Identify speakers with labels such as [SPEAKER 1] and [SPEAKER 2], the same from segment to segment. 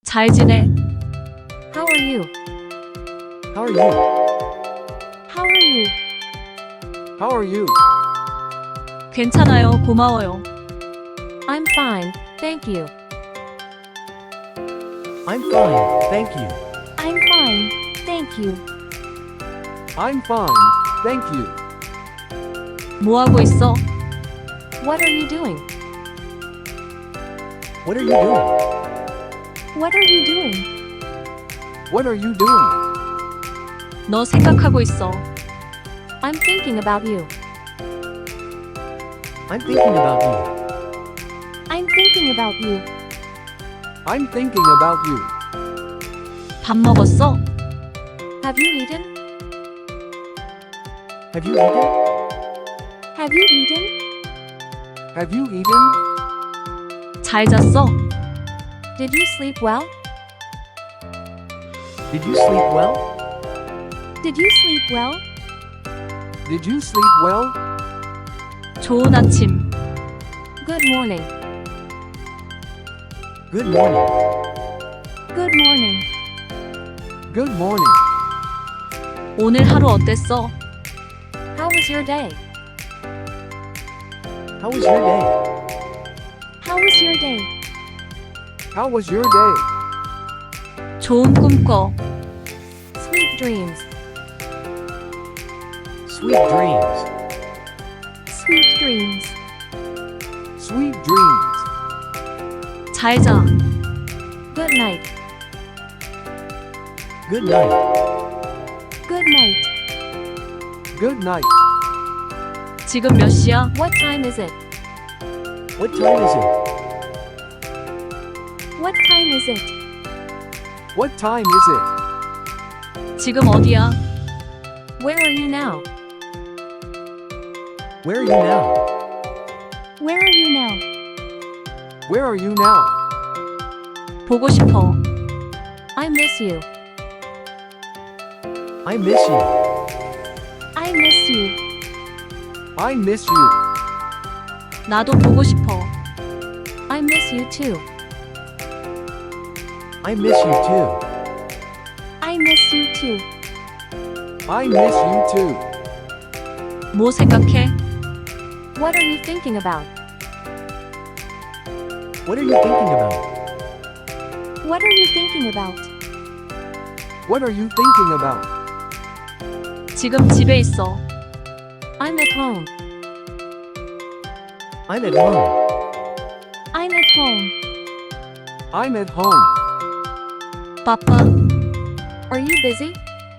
[SPEAKER 1] 잘 지내?
[SPEAKER 2] How are you?
[SPEAKER 3] How are you?
[SPEAKER 2] How are you?
[SPEAKER 3] How are you?
[SPEAKER 1] 괜찮아요. 고마워요.
[SPEAKER 2] I'm fine, thank you.
[SPEAKER 3] I'm fine, thank you.
[SPEAKER 2] I'm fine, thank you.
[SPEAKER 3] I'm fine, thank you.
[SPEAKER 1] 뭐 하고 있어?
[SPEAKER 2] What are you doing?
[SPEAKER 3] What are you doing?
[SPEAKER 2] What are you doing?
[SPEAKER 3] What are you doing?
[SPEAKER 1] 너 생각하고 있어.
[SPEAKER 2] I'm thinking about you.
[SPEAKER 3] I'm thinking about you.
[SPEAKER 2] I'm thinking about you.
[SPEAKER 3] I'm thinking about you.
[SPEAKER 1] 밥 먹었어?
[SPEAKER 2] Have you eaten?
[SPEAKER 3] Have you eaten?
[SPEAKER 2] Have you eaten?
[SPEAKER 3] Have you eaten?
[SPEAKER 1] 잘 잤어?
[SPEAKER 2] Did you sleep well?
[SPEAKER 3] Did you sleep well?
[SPEAKER 2] Did you sleep well?
[SPEAKER 3] Did you sleep well?
[SPEAKER 1] 좋은 아침.
[SPEAKER 2] Good morning.
[SPEAKER 3] Good morning.
[SPEAKER 2] Good morning.
[SPEAKER 3] Good morning.
[SPEAKER 1] 오늘 하루 어땠어?
[SPEAKER 2] How was your day?
[SPEAKER 3] How was your day?
[SPEAKER 2] How was your day?
[SPEAKER 3] How was your day?
[SPEAKER 1] 좋은 꿈 꿔.
[SPEAKER 2] Sweet dreams.
[SPEAKER 3] Sweet dreams.
[SPEAKER 2] Sweet dreams.
[SPEAKER 3] Sweet dreams.
[SPEAKER 1] 잘 자.
[SPEAKER 2] Good night.
[SPEAKER 3] Good night.
[SPEAKER 2] Good night.
[SPEAKER 3] Good night.
[SPEAKER 1] 지금 몇 시야?
[SPEAKER 2] What time is it?
[SPEAKER 3] What time is it?
[SPEAKER 2] What time is it?
[SPEAKER 3] What time is it?
[SPEAKER 1] 지금 어디야?
[SPEAKER 2] Where are you now?
[SPEAKER 3] Where are you now?
[SPEAKER 2] Where are you now?
[SPEAKER 3] Where are you now?
[SPEAKER 1] 보고 싶어.
[SPEAKER 2] I miss you.
[SPEAKER 3] I miss you.
[SPEAKER 2] I miss you.
[SPEAKER 3] I miss you.
[SPEAKER 1] 나도 보고 싶어.
[SPEAKER 2] I miss you too.
[SPEAKER 3] I miss you too.
[SPEAKER 2] I miss you too.
[SPEAKER 3] I miss you too.
[SPEAKER 1] 뭐 생각해?
[SPEAKER 2] What are you thinking about?
[SPEAKER 3] What are you thinking about?
[SPEAKER 2] What are you thinking about?
[SPEAKER 3] What are you thinking about?
[SPEAKER 1] 지금 집에 있어.
[SPEAKER 2] I'm at home.
[SPEAKER 3] I'm at home.
[SPEAKER 2] I'm at home.
[SPEAKER 3] I'm at home.
[SPEAKER 1] 바빠.
[SPEAKER 2] Are you busy?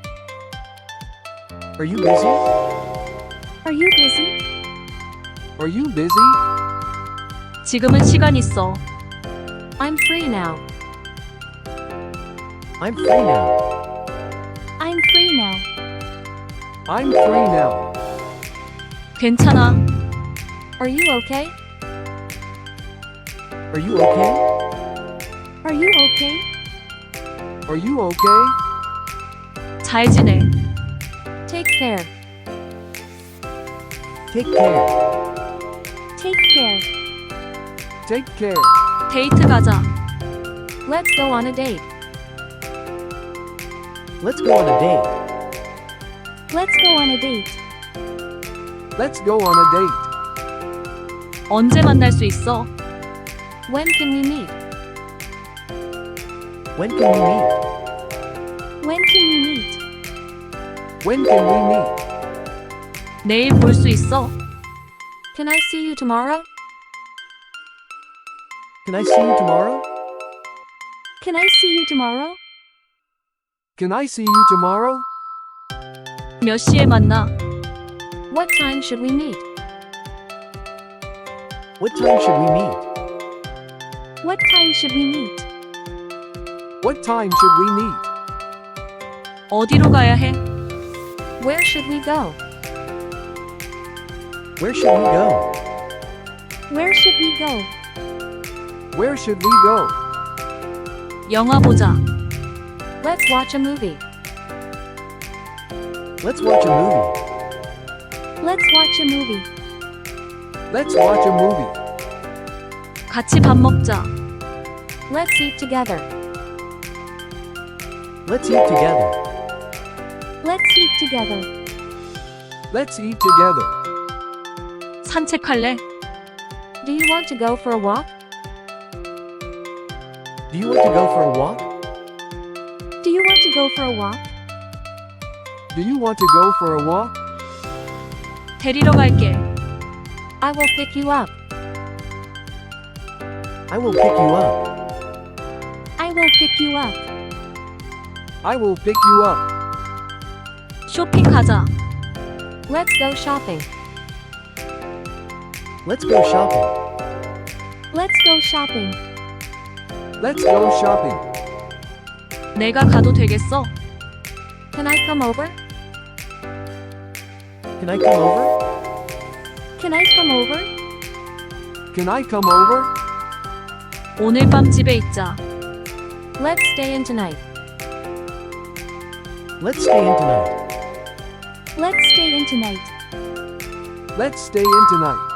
[SPEAKER 3] Are you busy?
[SPEAKER 2] Are you busy?
[SPEAKER 3] Are you busy?
[SPEAKER 1] 지금은 시간 있어.
[SPEAKER 2] I'm free now.
[SPEAKER 3] I'm free now.
[SPEAKER 2] I'm free now.
[SPEAKER 3] I'm free now.
[SPEAKER 1] 괜찮아.
[SPEAKER 2] Are you okay?
[SPEAKER 3] Are you okay?
[SPEAKER 2] Are you okay?
[SPEAKER 3] Are you okay?
[SPEAKER 1] 잘 지내.
[SPEAKER 2] Take care.
[SPEAKER 3] Take care.
[SPEAKER 2] Take care.
[SPEAKER 3] Take care.
[SPEAKER 1] 데이트 가자.
[SPEAKER 2] Let's go on a date.
[SPEAKER 3] Let's go on a date.
[SPEAKER 2] Let's go on a date.
[SPEAKER 3] Let's go on a date.
[SPEAKER 1] 언제 만날 수 있어?
[SPEAKER 2] When can we meet?
[SPEAKER 3] When can we meet?
[SPEAKER 2] When can we meet?
[SPEAKER 3] When can we meet?
[SPEAKER 1] 내일 볼 수 있어?
[SPEAKER 2] Can I see you tomorrow?
[SPEAKER 3] Can I see you tomorrow?
[SPEAKER 2] Can I see you tomorrow?
[SPEAKER 3] Can I see you tomorrow?
[SPEAKER 1] 몇 시에 만나?
[SPEAKER 2] What time should we meet?
[SPEAKER 3] What time should we meet?
[SPEAKER 2] What time should we meet?
[SPEAKER 3] What time should we meet?
[SPEAKER 1] 어디로 가야 해?
[SPEAKER 2] Where should we go?
[SPEAKER 3] Where should we go?
[SPEAKER 2] Where should we go?
[SPEAKER 3] Where should we go?
[SPEAKER 1] 영화 보자.
[SPEAKER 2] Let's watch a movie.
[SPEAKER 3] Let's watch a movie.
[SPEAKER 2] Let's watch a movie.
[SPEAKER 3] Let's watch a movie.
[SPEAKER 1] 같이 밥 먹자.
[SPEAKER 2] Let's eat together.
[SPEAKER 3] Let's eat together.
[SPEAKER 2] Let's eat together.
[SPEAKER 3] Let's eat together.
[SPEAKER 1] 산책할래?
[SPEAKER 2] Do you want to go for a walk?
[SPEAKER 3] Do you want to go for a walk?
[SPEAKER 2] Do you want to go for a walk?
[SPEAKER 3] Do you want to go for a walk?
[SPEAKER 1] 데리러 갈게.
[SPEAKER 2] I will pick you up.
[SPEAKER 3] I will pick you up.
[SPEAKER 2] I will pick you up.
[SPEAKER 3] I will pick you up.
[SPEAKER 1] 쇼핑 가자.
[SPEAKER 2] Let's go shopping.
[SPEAKER 3] Let's go shopping.
[SPEAKER 2] Let's go shopping.
[SPEAKER 3] Let's go shopping.
[SPEAKER 1] 내가 가도 되겠어?
[SPEAKER 2] Can I come over?
[SPEAKER 3] Can I come over?
[SPEAKER 2] Can I come over?
[SPEAKER 3] Can I come over?
[SPEAKER 1] 오늘 밤 집에 있자.
[SPEAKER 2] Let's stay in tonight.
[SPEAKER 3] Let's stay in tonight.
[SPEAKER 2] Let's stay in tonight.
[SPEAKER 3] Let's stay in tonight.